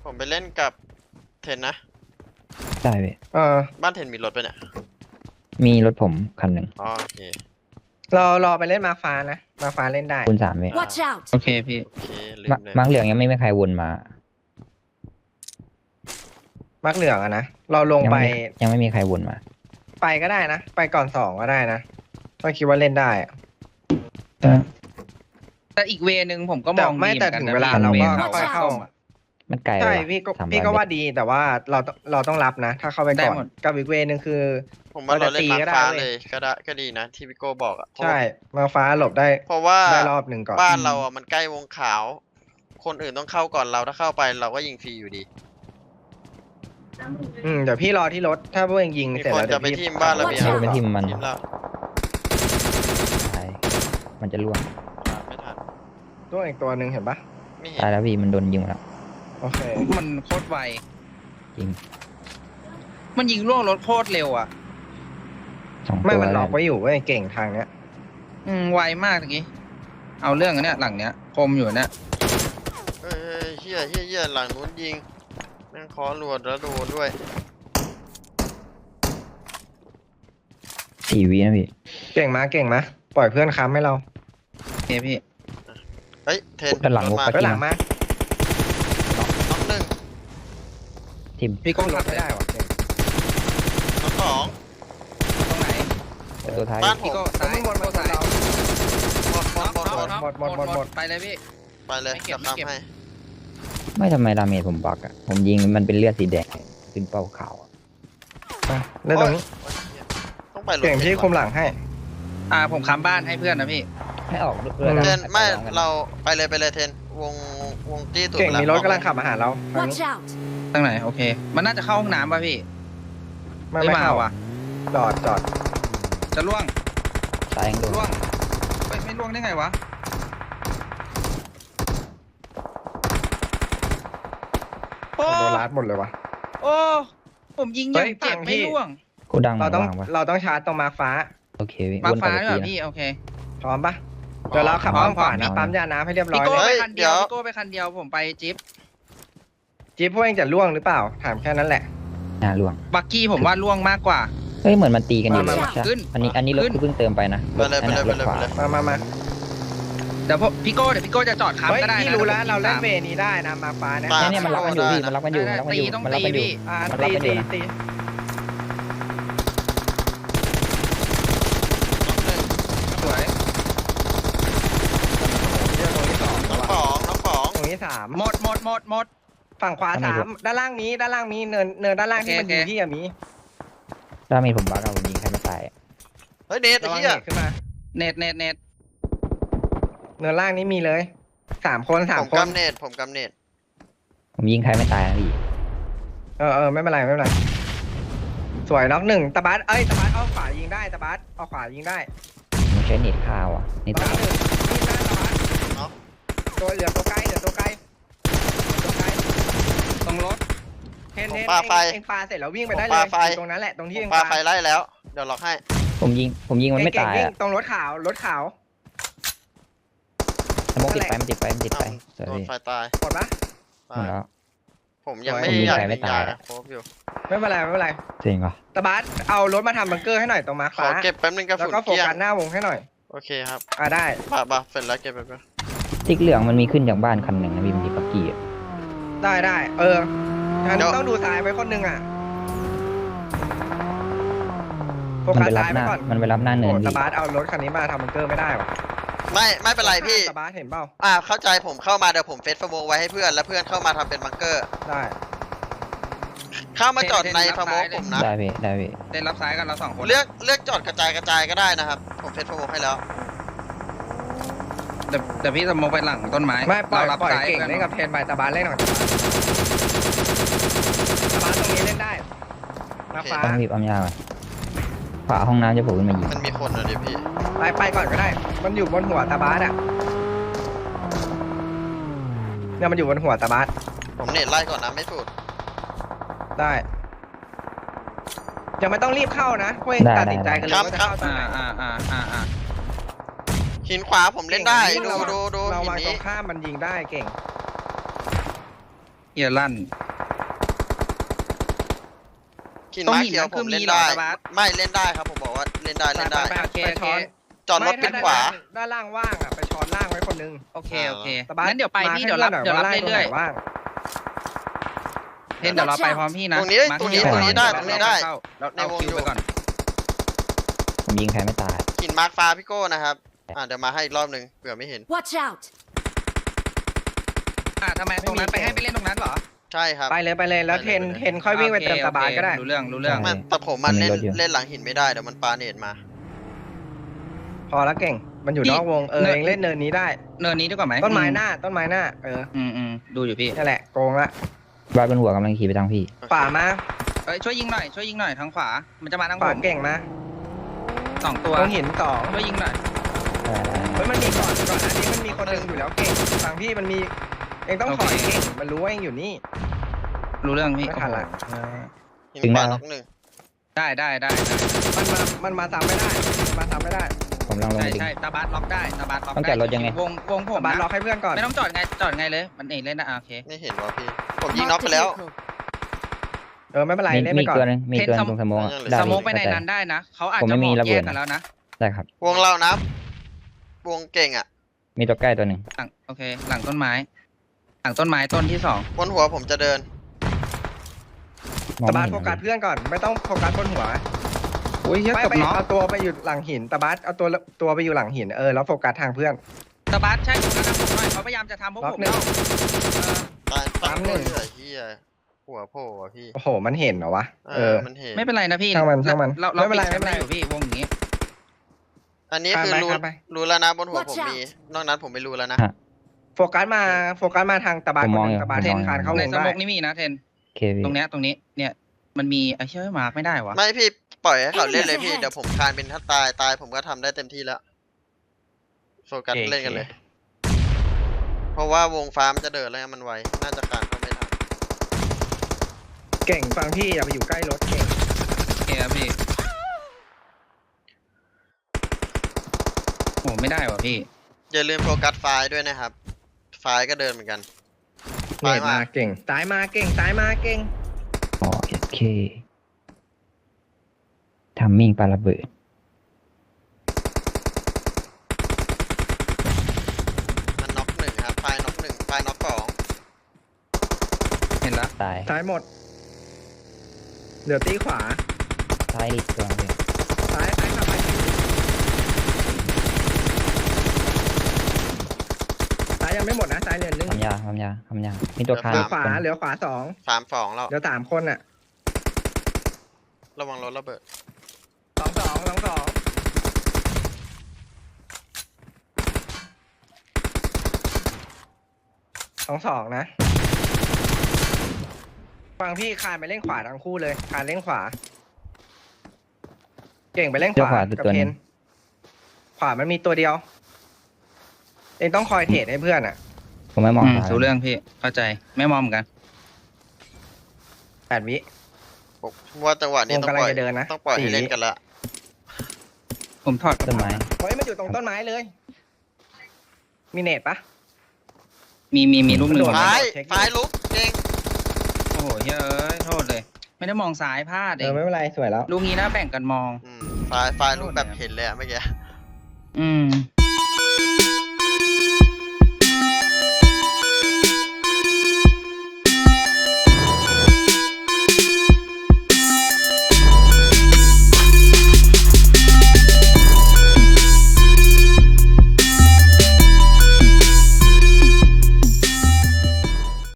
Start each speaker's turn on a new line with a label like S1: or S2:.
S1: ผมไปเล่นกับเทนนะ
S2: ใช่พี่
S1: บ้านเทนมีรถไปะเนี่ย
S2: มีรถผมคันหนึ่ง
S1: อ๋อโอเค
S3: รอไปเล่นมาฟ้านะมาฟ้าเล่นได้
S2: คูณ3พี่
S4: Watch out!
S5: โอเคพี่
S1: โอเคลืมเลย
S2: มาร์กเหลืองยังไม่มีใครวนมา
S3: มักเหลืองอะนะเราลงไป
S2: ยังไม่มีใครวนมา
S3: ไปก็ได้นะ ไปก่อน2ก็ได้นะถ้าคิดว่าเล่นได้อะ
S5: แต่อีกเวนึงผมก็ม
S3: แต่
S5: อง
S3: ไม่
S5: ดี
S3: แต่
S5: หมือน
S3: ถึง
S5: น
S3: เวลา
S5: พี่
S3: เราก็
S5: ว
S3: ค่อยเข้า
S2: มันไกล
S3: ใช่
S2: ว่ะ
S3: พี่ก็
S2: 300
S3: พี่ก็ว่า
S2: เมตร
S3: ดีแต่ว่าเราต้องรับนะ ถ้าเข้าไปก่อนกับอีกเวนึงคือ
S1: ผมว่าเราเล่นมาฟ้า
S3: เราจะตีก็ได้
S1: เลยก็ได้ก็ดีนะที่พี่โก้บอกอ่ะ
S3: ใช่มาฟ้าหลบได้
S1: เพราะว่า
S3: ได้รอบหนึ่งก่อน
S1: บ้านเราอ่ะมันใกล้วงขาว คนอื่นต้องเข้าก่อนเราถ้าเข้าไปเราก็ยิงฟรีอยู่ดี
S3: เดี๋ยวพี่รอที่รถถ้าพวกเองยิง
S1: มี
S3: เสร็จ
S1: คน
S3: แล้ว
S1: จะไปทีมบ้านระเบียง
S2: เดี๋ยวเป็นทีมมัน
S1: ทีมเรา
S2: ตายมันจะล่วง
S1: ไม่ทัน
S3: ตัวอีกตัวหนึ่งเห็นปะ
S1: ไม่เห็น
S2: ตายแล้วพี่มันโดนยิงแล้ว
S3: โอเค
S5: มันโคตรไว
S2: ยิง
S5: มันยิงล่วงรถโคตรเร็วอ่ะ
S2: 2
S3: ไม่
S2: ตัว
S3: มัน
S2: แล้
S3: ล็อ
S2: ว
S3: กไว้อยู่เว้ยเก่งทางเนี้ย
S5: ไวมากเมื่อกี้ เอาเรื่องอันเนี้ยหลังเนี้ยคมอยู่เนี่ย
S1: เฮ้ยเฮียหลังนู้นยิงแม่งคอรวดแล้วโดนด้วย
S2: 4 วินะพี่
S3: เก่งมาปล่อยเพื่อนค้ำให้เรา
S5: โอเคพี่
S1: เฮ้ยเทน
S2: ด้านหลัง
S1: รถมา
S2: วก
S3: ก็หลังมา
S1: น็อกหนึ่ง
S2: ทีม
S5: พี่โก้
S3: ล
S5: ขั
S3: ง
S5: บ
S3: ไม่
S5: ไม่
S3: ได้
S5: ได้
S3: วะเก่ง
S1: น็อกสอง
S5: ตรงไหน
S2: ตัวท้าย
S1: บ้านผ
S5: พี่
S1: ม
S5: โก้ซ้าย
S3: หมด
S5: โก้ซ้าย
S3: เรา
S1: หมด
S3: หมด
S5: ไปเลยพี่
S1: ไปเลย
S5: ไม่เก็บ
S1: เดี๋ยว
S5: ไม่เก็บ
S1: ทำให้
S2: ไม่ทำไมดาเมจผมบักอ่ะผมยิงมันเป็นเลือดสีแดงขึ้นเป้าขาวอะ
S3: เล่นตรงนี้
S1: โอ้ยเหี้ยต้องไปรถ
S3: เก่งพี่คุมหลังให้
S5: ผมค้ำบ้านให้เพื่อนนะพี่
S2: ให้ออกด้วย
S1: เทนไม่
S2: กัน
S1: เราไปเลยเทนวงจี้ตุ่
S3: เก่ง
S1: แล้ว
S3: มีรถกำลังขับมาหาเราทาง
S4: Watch
S3: นี้
S4: out!
S5: ตั้งไหนโอเค มันน่าจะเข้าห้องน้ำป่ะพี่
S3: ไม่เข้า
S5: ว่ะ
S3: จอด
S5: จะล่วง
S2: ซ้ายยังโดน
S5: ล่วงไม่ล่วงได้ไงวะ โอ้
S3: โดนลัดหมดเลยวะ
S5: โอ้ ผมยิงอย่างเจ็บ
S3: เฮ้ย
S5: ไม่ล่วง
S2: กูดัง
S3: เราต้อง
S2: วางปะ
S3: เราต้องชาร์จตรงมาฟ้า
S2: โอเคพี่
S5: มา
S2: วนกลั
S5: ฟ้า
S2: บไป
S5: ด้วย
S2: ตี
S5: เหรอ
S2: นะ
S5: พี่โอเค
S3: พร้อมปะเดี๋ยวเราขับ
S5: พร้อม
S3: อ้อมขวา
S5: พร้
S3: นะ
S5: อม
S3: ปั๊มยาน้ำให้เรียบร้
S5: พี่
S3: อย
S5: โก้
S3: เลย
S5: ไปคันเดียวพี่โก้ไปคันเดียวผมไปจิ๊บ
S3: จิ๊บพวกเองจะล่วงหรือเปล่า ถามแค่นั้นแหละ
S2: หน้าล่วง
S5: บักกี้ผมว่าล่วงมากกว่า
S2: เฮ้ยเหมือนมันตีกันอยู่
S3: มา
S2: ใช่
S5: ขึ้น
S2: อันนี้รถ
S5: ขึ้น
S2: กูเพิ่งเติมไปนะ
S1: ไปเลย
S2: นั่นน่ะ
S1: ไป
S2: ร
S1: เลย
S2: ถขวา
S1: ไปเลย
S3: มา
S5: เดี๋ยวพี่โก้จะจอด
S3: เฮ้ย
S5: ค้ำก็ได้นะ
S3: พี่รู้แล้ว
S5: ดี๋
S3: เรา
S5: ยวผม
S3: เล่นเว
S5: ตาม
S3: นี้ได้นะมาฟ้านะ
S2: เนี่ยมันรับกันอยู่พี่มันรับกันอยู่มันรับกันอยู่
S5: ต้อง
S2: มันรับ
S5: ตี
S2: กันอยู่
S5: พี่
S2: มันรับกันอยู่นะ
S3: ตี
S5: สวย
S3: เดี๋ยวตรงที่สอง
S1: น้องสอง
S3: ตรงที่สาม
S5: หมด
S3: ฝั่งขวาสามด้านล่างมีเนินด้านล่างที่มันยิงพี่อะมี
S2: ดาเมจผมบักอะผมยิงใครไม่ตายอะ
S1: เฮ้ยเนท
S3: ระวัง
S1: เฮีย
S3: เน็ตขึ้นมา
S5: เน็ต
S3: เนินล่างนี้มีเลย3 คน3
S1: ผม
S3: คน
S1: กำเนตผมกำเนต
S2: ผมยิงใครไม่ตายนะพี่
S3: ไม่เป็นไรสวยน็อก1ตะบัสตะบัสเอาขวายิงได้ตะบัสเอาขวายิงได้
S2: ผมใช้เน็ตข้าวอ่ะเน็ต
S3: ตะบัสนี่หน้าตะบัสตัวเหลือตัวใกล้ตัวใกล้
S5: ตรงรถ
S3: เห็นเองปลาเสร็จแล้ววิ่งไปได้เลยตรงนั้นแหละตรงที่
S1: ผ
S3: เอ
S1: ม
S3: ง
S1: ปาไฟไล่แล้ว เดี๋ยวล็อกให้
S2: ผมยิงมันไม่ตาย
S3: วิ่ง
S2: อ่ะ
S3: ตรงรถขาว
S2: สมองติดไปมันติดไปสวย
S1: โดน
S2: พี่
S1: ไฟตาย
S3: หมดปะ
S2: หมดแล้ว
S1: ผมยังไม่
S2: ผมยิง
S1: อยาก
S2: ใครไม่
S1: ยิง
S2: ตาย
S1: ยาโครบอยู่
S3: ไม่เป็นไร
S2: จริงเหรอ
S3: ตะบัสเอารถมาทำบังเกอร์ให้หน่อยตรงมา
S1: ขอ
S3: ฟ้า
S1: เก็บแป๊บนึงกระ
S3: แล้ว
S1: สุน
S3: ก็โฟ
S1: เกลี้ยง
S3: กัสหน้าวงให้หน่อย
S1: โอเคครับ
S3: ได้
S1: บ่าเสร็จแล้วเก็บไปไป
S2: ติ๊กเหลืองมันมีขึ้นจากบ้านคันหนึ่งนะพี่มันมีปักกี้อะ
S3: ได้งั้นต้องดูซ้ายไว้คนนึงอ่ะโฟ
S2: มัน
S3: กัส
S2: ไปรับ
S3: ซ้าย
S2: ห
S3: ไว้
S2: น้า
S3: ก่อน
S2: มันไปรับหน้าเนิน
S3: ตะ
S2: พี่
S3: บัสเอารถคันนี้มาทำบังเกอร์ไม่ได้หรอ
S1: ไม่เป็นไรพี่
S3: ตะบัสเห็นเปล่า
S1: เข้าใจผมเข้ามาเดี๋ยวผมเฟซฟโมไว้ให้เพื่อนแล้วเพื่อนเข้ามาทำเป็นบังเกอร์
S3: ได้
S1: เข้ามาจอดในฟโมผมนะ
S2: ได้พี่
S5: เต้นรับซ้ายกันเรา2 คน
S1: เลือกจอดกระจายก็ได้นะครับ ผมเฟซฟโมให้แล้ว
S5: เดี๋ยวพี่สมมติไปหลังต้นไม้
S3: ไม่ปล่อย
S5: เรารับ
S3: ปล่อย
S5: ซ้าย
S3: เก่ง
S5: กัน
S3: เล่นกับเทนไปตะบัสเล่นหน่อยตะบัสตรงนี้เล่นได้มาฟ้า
S2: ต้องรีบเอายาก่อนขวาห้องน้ำจะโผล่ขึ้นมายิง
S1: มันมีคนนะดิพี่
S3: ไปก่อนก็ได้ มันอยู่บนหัวตะบัสอ่ะเนี่ยมันอยู่บนหัวตะบัส
S1: ผมเน็ตไล่ก่อนนะไม่สุด
S3: ได้ยังไม่ต้องรีบเข้านะพวกเองตัดสินใจกันเลยว่าจะเข้าตอนไหน
S1: หินขวาผมเล่นได้ดู
S3: เรา
S1: หิ
S3: วาง
S1: น
S3: ตร
S1: นี้
S3: งข้ามมันยิงได้เก่ง
S5: เฮียลั่น
S1: กิน
S5: ตรง
S1: ม้า
S5: หิน
S1: เขียว
S5: นั่น
S1: ผ
S5: คือ
S1: ม
S5: มี
S1: เล่น
S5: เหรอ
S1: ได้
S5: ตะบัส
S1: ไม่เล่นได้ครับผมบอกว่าเล่นได้เล่นได้
S3: ไป
S5: โอเค
S3: ไป
S5: โอเค
S3: ช้อน
S1: จอดรถ
S3: ไม่
S1: เป็นขวา
S3: ด้านล่างว่างอ่ะไปช้อนล่างไว้คนนึง
S5: โอเคโอเค
S3: ตะบัส
S5: งั้นเดี๋ยวไป
S3: มา
S5: พี่
S3: ให้
S5: เดี๋ยวรับ
S3: พื่อนหน่
S5: เดี๋ยวรับ
S3: าล่าง
S5: เรื่อย
S3: ตงไหนว่าง
S5: ๆเทนเดี๋ยวเราไปพร้อมพี่นะ
S1: ตรงนี้
S5: มา
S1: ตรงนี้
S5: ที่
S1: ตรงนี้ได้
S5: เยว
S1: ตรงนี้ได้
S5: เข้าเรา
S1: ใน
S5: เอา
S1: วง
S5: คิว
S1: อยู่
S5: ไปก่อน
S2: ผมยิงใครไม่ตาย
S1: กินมาร์คฟ้าพี่โก้นะครับเดี๋ยวมาให้อีกรอบหนึ่งเผื่อไม่เห็น
S4: Watch out!
S5: ทำไมตรงนั้นไปให้ไปเล่นตรงนั้นเหรอ
S1: ใช่ครับ
S3: ไปเลยแล้ว
S1: ไป
S3: เท
S1: เลย
S3: น
S1: ไปเลย
S3: เทนค่อยวิ่งไปเติมตะบานก็ได้
S5: รู้เรื่องรู้เรื่อง
S1: มันแต่ผมมันเล่นเล่นหลังหินไม่ได้เดี๋ยวมันปาเนตมา
S3: พอแล้วเก่ง มันอยู่นอกวงเองเล่นเนินนี้ได้
S5: เนินนี้ดีกว่าไหม
S3: ต้นไม้หน้า
S5: ดูอยู่พี่
S3: นั่นแหละโกงละ
S2: บ้านบนหัวกำลังขี่ไปทางพี่
S3: ป่ามา
S5: เอ้ยช่วยยิงหน่อยทางขวา มันจะมาทางผ
S3: ป่าม เก่งมา
S5: 2 ตัว
S3: ตรงหินสอง
S5: ช่วยยิงหน่อย
S3: เฮ้ยมันมีก่อนอันนี้มันมีคนหนึ่งอยู่แล้วเก่งฝั่งพี่มันมีเองต้องถอยเก่งมันรู้ว่าเองอยู่นี่
S5: รู้เรื่องพี่
S3: ไม่ทันละ
S1: หิน
S2: ถึง
S1: ขวา
S2: แล้ว
S1: น็อกหนึ่ง
S5: ได้
S3: มันมาซ้ำไม่ได้มาซ้ำไม่ได้
S2: ผมลองลง
S5: ใช่
S2: มาดิ
S5: ใช่ตาบัสล็อกได้ตาบัสล็อก
S2: ต้องจัดรถยังไง
S5: วงผม
S3: บาส
S5: นะ
S3: ล็อกให้เพื่อนก่อน
S5: ไม่ต้องจอดไงเลย มันเองเล่นนะโอเค
S1: ไม่เห็นวะพี่ผมยิงน็อกไปแล้ว
S3: ไม่เป็นไร
S2: มี
S3: เล่นไป
S2: มี
S3: ก่อน
S2: ตัวหนึงมีตัวหนึงตรงสโมองอะ
S1: เทน
S2: ได้
S5: ส
S2: พี่
S5: โมกไปใน
S2: เข้าใจ
S5: นั้นได้นะเขาอาจ
S2: ผม
S5: จะ
S2: ไม่
S5: บ
S2: มี
S5: อก
S2: ระเบิ
S5: แย
S2: ด
S5: กกันแล้วนะ
S2: ได้ครับ
S1: วงเรานะวงเก่งอ่ะ
S2: มีตัวใกล้ตัวหนึ่ง
S5: โอเค หลังต้นไม้ต้นที่ 2
S1: บนหัวผมจะเดิน
S2: มอง
S3: ตะ
S2: ไม่
S3: บาส
S2: เห็น
S3: โฟกัสเพื่อนก่อนไม่ต้องโฟกัสบนหัว
S5: อุ้ยเยอะ
S3: ไม่
S5: กับ
S3: ไป
S5: เนาะ
S3: เอาตัวไปอยู่หลังหินตะบาสเอาตัวไปอยู่หลังหินแล้วโฟกัสทางเพื่อน
S5: ตาบัสใช่ผมนะผมหน่อยเขาพยายามจะทำพวก
S3: ล็อก
S5: ผม
S3: หนึ่ง
S5: แล้ว
S1: ตาย
S3: 3-1
S1: เหี้ยเฮียหัวโผล่อะพี่
S3: โอ้โหมันเห็นเหรอวะ
S1: มันเห็น
S5: ไม่เป็นไรนะพี่
S3: ช่างมันช่างมัน
S5: เรา
S3: ไม่เป็นไร
S5: ปิด
S3: ไม่เป็นไร
S5: อยู่พี่วงอย่างนี้
S1: อันนี้คือ
S3: ข้ามไป
S1: รู้แล้วนะบนหัว
S4: Watch
S1: ผมมีนอกนั้นผมไม่รู้แล้วนะ
S3: โฟกัสมาทางตะบาสคนหนึ่งตะบาสเทนคานเข้าว
S5: ใน
S3: ง
S5: ส
S3: ได้
S5: โมกนี่มีนะเทน
S2: โอเคพี่
S5: ตรงนี้เนี่ยมันมีไอ้เชื่อมาร์กไม่ได้วะ
S1: ไม่พี่ปล่อยให้เขาเล่นเลยพี่เดี๋ยวผมคานเป็นถ้าตายผมก็ทำได้เต็มที่แล้วโฟกัสเล่นกันเลย เพราะว่าวงฟ้ามันจะเดินแล้วไงมันไวน่าจะคานเข้าไม่ทัน
S3: เก่งฟังพี่อย่าไปอยู่ใกล้รถเก่ง
S5: โอเคครับพี่โอ้ไม่ได้ว่ะพี่
S1: อย่าลืมโฟกัสไฟล์ด้วยนะครับ ไฟล์ก็เดินเหมือนกัน
S3: เนตมาเก่งตายมาเก่ง
S2: อ๋อโอเคทำมิ่งปาระเบิด
S1: มันน็อกหนึ่งครับไฟล์น็อกหนึ่งไฟล์น็อกสอง
S5: เห็นละ
S2: ตาย
S3: ซ้ายหมดเหลือตีขวา
S2: ซ้ายอีกตัวหนึ่ง
S3: ซ้ายขับไปซ้ายยังไม่หมดนะซ้ายเหลือนึง
S2: ทำยามีตัวคาน
S3: เหลือขวาเหลือขวา2
S1: 3-2แล้ว
S3: เหลือ3คนอ่ะ
S1: ระวังรถระเบิด
S3: 2-2 นะฟังพี่คานไปเล่นขวาทั้งคู่เลยคานเล่นขวา เก่งไปเล่นขวากับเพนขวามันมีตัวเดียว เองต้องคอยเทรดให้เพื่อนอ่ะ
S2: ผมไม่มองซ้าย
S5: รู้เรื่องพี่เข้าใจไม่มองเหมือนกัน
S3: 8 วิ
S1: ว่าจังหวะนี้
S3: วง
S1: ต้อง
S3: กำลั
S1: ป
S3: ง
S1: ล่อย
S3: จะเดินนะ
S1: ต้องปล่อยให้
S3: 4
S1: เล่นกันละ
S5: ผมถอด
S2: ต้นไม้
S3: เฮ้ยมันอยู่ตรงต้นไม้เลย มีเนตปะ
S5: มีลูกหนึ่ง
S3: โดด
S1: ไฟ
S3: เช็ค
S1: ไฟลุกเก่ง
S5: โอ้โหเฮ้ยโทษเลย ไม่ได้มองซ้ายพลาดเอง
S3: ไม่เป็นไรสวยแล้ว
S5: ลูกนี้นะแบ่งกันมอง
S1: ไฟลุกแบบเห็นเลยอะเมื่อกี้
S5: อืม